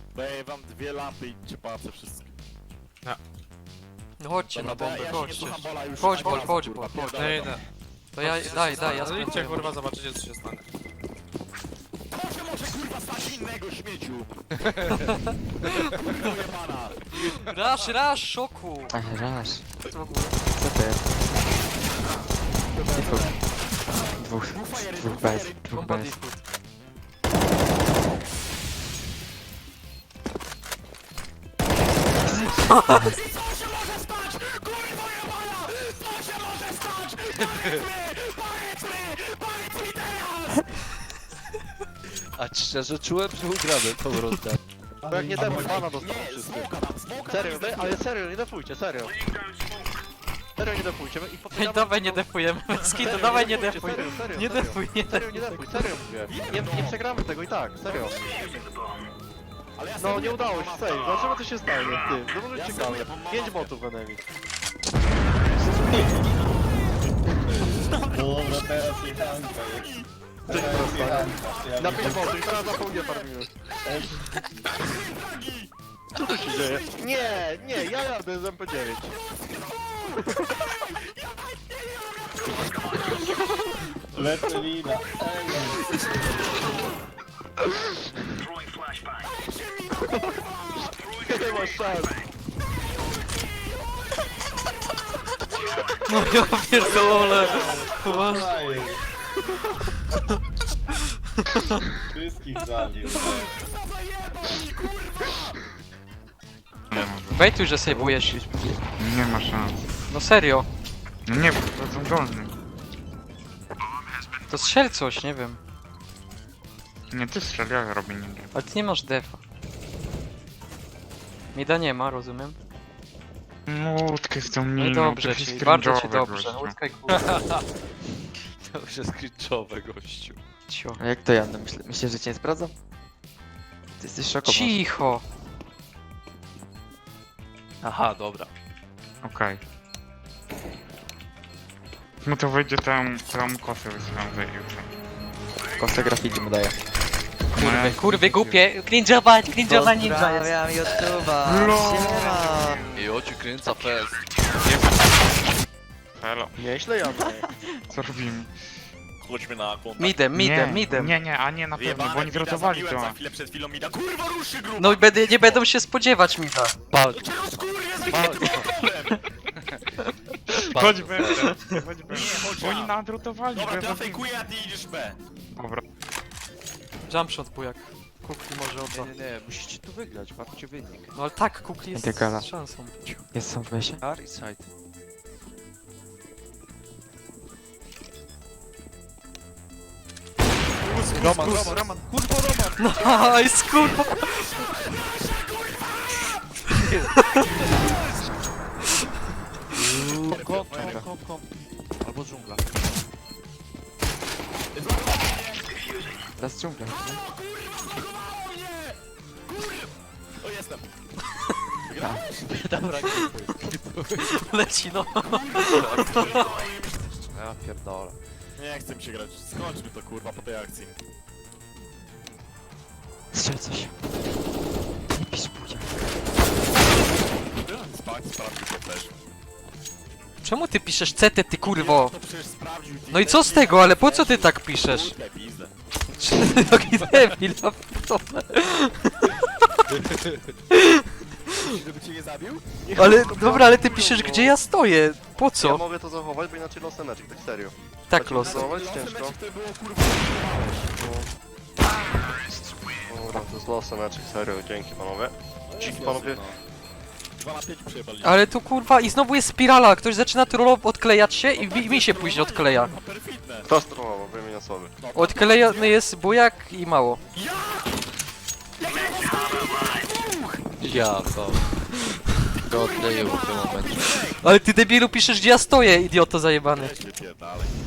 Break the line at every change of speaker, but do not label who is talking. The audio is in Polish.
Daję wam 2 lampy i cię pałacę wszystkie.
No chodźcie na
Dobra,
bombę,
ja się nie
chodźcie.
słucham Bola już.
Chodź,
A,
Bol,
teraz,
chodź,
kurwa,
Bol,
pierdolę
Nie
to.
idę.
To ja, daj, ja
No idźcie
spróbuję.
kurwa, zobaczycie co się stanie.
Proszę może kurwa stać innego śmieciu! Jebana.
Rasz, szoku!
Ach, raz.
Co w ogóle?
Co to jest? Dwóch. Dwóch bez. Dwóch
Bomba
bez.
diffuse.
Co się może stać? Kurwa jebana! Co się może stać? Powiedz mi teraz!
A szczerze czułem, że ugramy tą rundę. Bo jak nie damy bana dostaną
Nie,
wszyscy.
smoka dam, smoka
Serio,
dam.
ale serio, nie defujcie, serio. Serio nie defujcie i
Ej,
popieramy...
dawaj nie defujemy, Skito, dawaj nie defuj.
Serio, serio,
Nie
serio.
defuj, nie
Serio, nie
defuj.
defuj, serio mówię. Nie przegramy tego i tak, serio.
Ale ja
No
sobie
nie udało się,
pomagam.
serio. Zobaczymy co się stanie, ty. No może
Ja
ciekawe.
sobie pomagam.
5 botów enemy.
Dobra, teraz jechanka jest. Teraz jechanka.
Na 5 botów i teraz na pół nie farmimy. Co tu się dzieje? Nie, ja jadę z MP9.
Lecę lina.
Nie masz szans.
No ja pierdolę. Poważnie.
Ej. Wszystkich zabił.
Bejtuj, że sejwujesz.
Nie ma szans.
No serio.
No nie, bo to są dolny.
To strzel coś, nie wiem.
Nie, ty strzel, ja robię nie wiem.
Ale ty nie masz defa. Mida nie ma, rozumiem.
No, łódkę z tą
No i
miną,
dobrze
to
ci,
jest
bardzo ci
cringe'owe,
dobrze.
gościu.
Łódka i kurwa.
To już jest cringe'owe, gościu.
Cio.
A jak to ja? No myślę, że cię nie sprawdzam? Ty jesteś szokowany.
Cicho.
Aha, dobra.
Okej. No to wejdzie tam kosę wysyłam za jutro.
Kostę grafiki mu daję.
Kurwy głupie. Cringe'ować ninja jest.
Pozdrawiam YouTube'a.
Lol.
Siema.
I oci kręca fest.
Halo,
Nieźle jadę.
co robimy?
Chodźmy na kontakt.
Midem.
Nie, a nie na pewno,
Wyjebane,
bo oni
Mida
wyrotowali
zabiłem
to.
za chwilę przed chwilą Mida. Kurwa ruszy grubo!
No i nie będą się spodziewać Mida.
Patrz,
Cię rozkurwię z
patrz.
problem!
Chodź B, chodź B.
Nie, chodź
Bo oni
A.
nadrotowali
Dobra,
B.
to ja fejkuję, a ty idziesz B.
Dobra.
Jumpshot bujak. Kukli może odda.
Nie, musicie tu wygrać, patrzcie wynik.
No ale tak, Kukli jest
Integrala.
z szansą.
Jest są w mesie?
R i side. Roman. Kurwa, Roman.
Nice, kurwa.
Kom. Albo dżungla.
Teraz dżungla.
O, jestem.
Dobra,
Leci no.
ja pierdolę.
Nie chcę mi się grać. Skończmy to kurwa po tej akcji.
Strzel coś. Nie pisz budzia.
Sprawdził to też.
Czemu ty piszesz CT, ty kurwo?
To przecież sprawdził.
No i co z tego, ale po co ty tak piszesz?
Kurde, pizdę.
Taki debil, ja pierdolę.
Żeby cię nie zabił?
Ale, dobra, ale ty piszesz gdzie ja stoję. Po
Ja
co?
mogę to zachować, bo inaczej los Magic, tak serio.
Tak los.
Zachować
Losem
ciężko.
meczów to było kurwa
Dobra, to jest los Magic, serio, dzięki panowie. Dzięki panowie.
2 na 5 przejebali.
Ale tu kurwa i znowu jest spirala, ktoś zaczyna trollować, odklejać się i mi się później odkleja.
Perfidne.
Kto strollował? Wymień osoby.
Odklejony jest bujak i mało.
Ja to. Go odleję w tym momencie.
Ale ty debilu piszesz gdzie ja stoję, idioto zajebany.
Weź wypierdalaj.